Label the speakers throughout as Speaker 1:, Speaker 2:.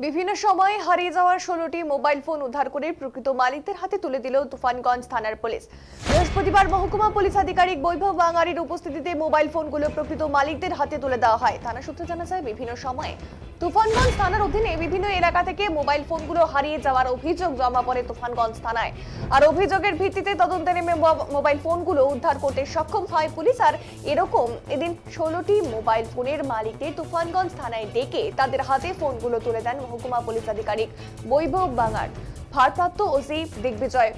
Speaker 1: বিভিন্ন সময়ে হারিয়ে যাওয়ার 16টি মোবাইল ফোন উদ্ধার করে প্রকৃত মালিকদের হাতে তুলে দিল তুফানগঞ্জ থানার পুলিশ। বৃহস্পতিবার মহকুমা পুলিশ আধিকারিক বৈভব বাঙারির উপস্থিতিতে মোবাইল ফোনগুলো প্রকৃত মালিকদের হাতে তুলে দেওয়া হয়। থানা সূত্রে জানা যায়, বিভিন্ন সময়ে তুফানগঞ্জ থানার অধীনে বিভিন্ন এলাকা থেকে মোবাইল ফোনগুলো হারিয়ে যাওয়ার অভিযোগ জমা পড়ে তুফানগঞ্জ থানায়। আর অভিযোগের ভিত্তিতে তদন্তে নেমে মোবাইল ফোনগুলো উদ্ধার করতে সক্ষম হয় পুলিশ। আর এরকম এদিন 16টি মোবাইল ফোনের মালিকদের তুফানগঞ্জ থানায় ডেকে তাদের হাতে ফোনগুলো তুলে দেন মহকুমা পুলিশ আধিকারিক বৈভব বাঙার, ভারপ্রাপ্ত ওসি দিগ্বিজয়।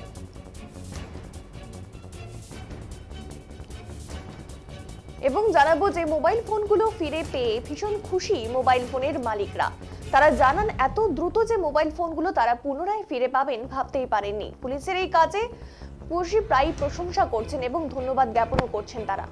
Speaker 1: এবং জানাবো যে মোবাইল ফোনগুলো ফিরে পেয়ে ভীষণ খুশি মোবাইল ফোনের মালিকরা। তারা জানান, এত দ্রুত যে মোবাইল ফোনগুলো তারা পুনরায় ফিরে পাবেন ভাবতেই পারেননি। পুলিশের এই কাজে পুলিশ প্রায় প্রশংসা করছেন এবং ধন্যবাদ জ্ঞাপনও করছেন তারা।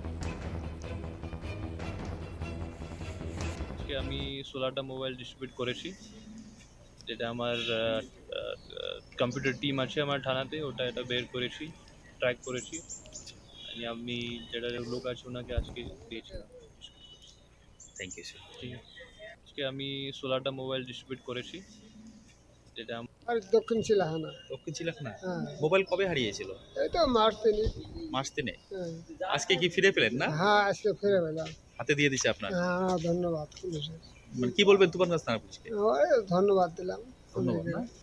Speaker 2: আমি 16টা মোবাইল ডিস্ট্রিবিউট করেছি, যেটা আমার কম্পিউটার টিম আছে আমার থানাতে, ওটা এটা বের করেছি, ট্র্যাক করেছি। আমি যেটা লোক আছে ওনাকে আজকে দিয়েছিলাম।
Speaker 3: Thank you sir.
Speaker 2: ঠিক আছে, আজকে আমি 16টা মোবাইল ডিস্ট্রিবিউট করেছি, যেটা
Speaker 4: আর দক্ষিণ চিলাহানা।
Speaker 3: দক্ষিণ চিলাখানা
Speaker 4: হ্যাঁ,
Speaker 3: মোবাইল কবে হারিয়েছিল?
Speaker 4: এই তো মার্চ তিনি।
Speaker 3: মাস 3
Speaker 4: হ্যাঁ,
Speaker 3: আজকে কি ফিরে পেলেন না?
Speaker 4: হ্যাঁ, আজকে ফিরে পেলাম।
Speaker 3: হাতে দিয়ে দিছে আপনার।
Speaker 4: হ্যাঁ, ধন্যবাদ পুলিশের।
Speaker 3: মানে কি বলবেন তুফানগঞ্জ থানা পুলিশকে?
Speaker 4: ওই ধন্যবাদ দিলাম।
Speaker 3: ধন্যবাদ না?